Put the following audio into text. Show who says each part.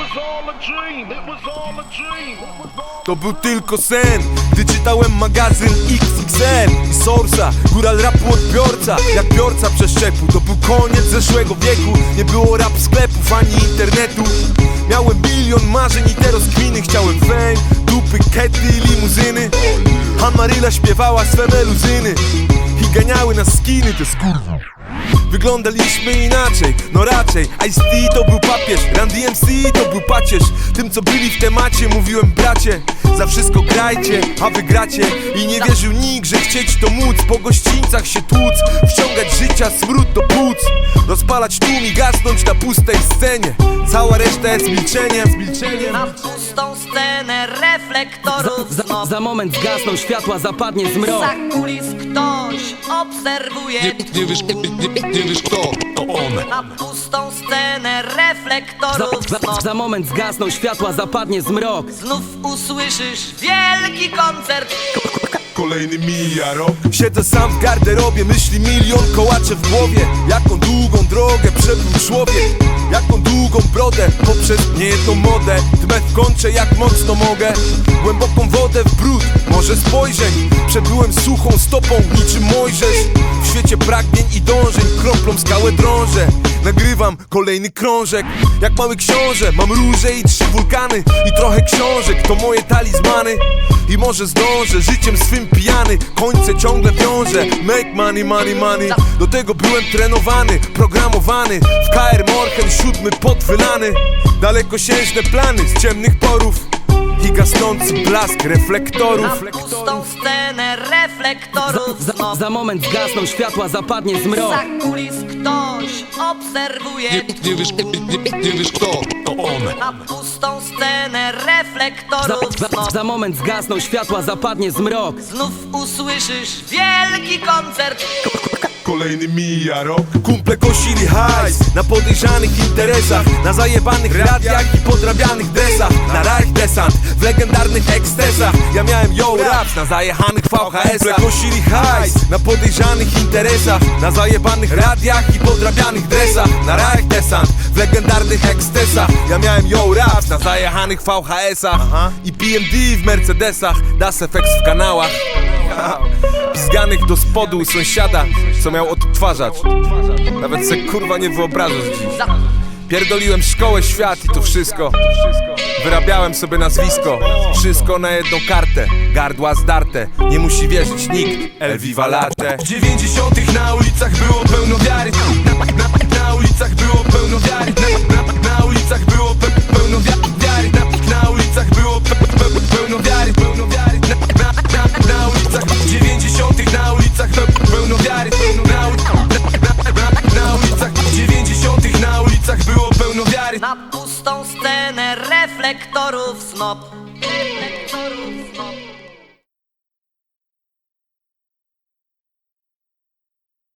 Speaker 1: To był tylko sen, gdy czytałem magazyn XXL i Source'a, góral rapu odbiorca, jak biorca przeszczepu. To był koniec zeszłego wieku, nie było rap sklepów ani internetu. Miałem bilion marzeń i te rozkminy, chciałem fame, dupy, kety i limuzyny. Amaryla śpiewała swe meluzyny i ganiały nas skiny, te skurwy. Wyglądaliśmy inaczej, no raczej Ice-T to był papież, Run DMC to był pacierz. Tym co byli w temacie mówiłem bracie, za wszystko grajcie, a wygracie. I nie wierzył nikt, że chcieć to móc, po gościńcach się tłuc, wciągać życia smród do płuc, rozpalać tłum i gasnąć na pustej scenie. Cała reszta jest milczeniem.
Speaker 2: Na pustą scenę reflektorów
Speaker 3: Za moment zgasną światła, zapadnie zmrok.
Speaker 2: Za kulis ktoś obserwuje.
Speaker 1: Nie wiesz kto, to on.
Speaker 2: Na pustą scenę reflektorów
Speaker 3: Za moment zgasną światła, zapadnie zmrok.
Speaker 2: znów usłyszysz wielki koncert.
Speaker 1: Kolejny mija rok. Siedzę sam w garderobie, myśli milion kołacze w głowie. Jaką długą drogę przebył człowiek, jaką długą brodę poprzez niejedną modę. Dmę w kącie jak mocno mogę, głęboką wodę w brud, morze spojrzeń. Przebyłem suchą stopą niczym Mojżesz. W świecie pragnień i dążeń kroplą skałę drążę. Nagrywam kolejny krążek, jak mały książę. Mam róże i 3 wulkany i trochę książek, to moje talizmany. I może zdążę, życiem swym pijany, końce ciągle wiążę. Make money, money, money. Do tego byłem trenowany, programowany. W KR Morchen 7 podwylany. Dalekosiężne plany z ciemnych porów i gasnący blask reflektorów.
Speaker 2: Na pustą scenę reflektorów
Speaker 3: Za moment zgasną światła, zapadnie zmrok.
Speaker 2: za kulis ktoś obserwuje.
Speaker 1: Nie wiesz kto, to on.
Speaker 2: Na pustą scenę reflektorów
Speaker 3: Za moment zgasną światła, zapadnie zmrok.
Speaker 2: znów usłyszysz wielki koncert.
Speaker 1: Kolejny mija rok. Kumple kosili hajs na podejrzanych interesach, na zajebanych radiach i podrabianych dresach, na rach desant w legendarnych ekstresach. Ja miałem yo raps na zajechanych VHS-ach. Kumple kosili hajs na podejrzanych interesach, na zajebanych radiach i podrabianych dresach, na rach desant w legendarnych ekstresach. Ja miałem yo raps na zajechanych VHS-ach i PMD w Mercedesach, Das FX w kanałach. Pizganych do spodu u sąsiada, co miał odtwarzać. Nawet se kurwa nie wyobrażasz dziś. Pierdoliłem szkołę, świat i to wszystko. Wyrabiałem sobie nazwisko, wszystko na jedną kartę. Gardła zdarte, nie musi wierzyć nikt. El Viva Latte. W 90 na ulicach było pełno wiary. Na ulicach było pełno wiary. Na ulicach było pełno wiary. Na ulicach było pełno wiary. Na ulicach w 90 na ulicach pełno wiary. Na ulicach w 90 na ulicach było pełno wiary.
Speaker 2: Na pustą scenę reflektorów snop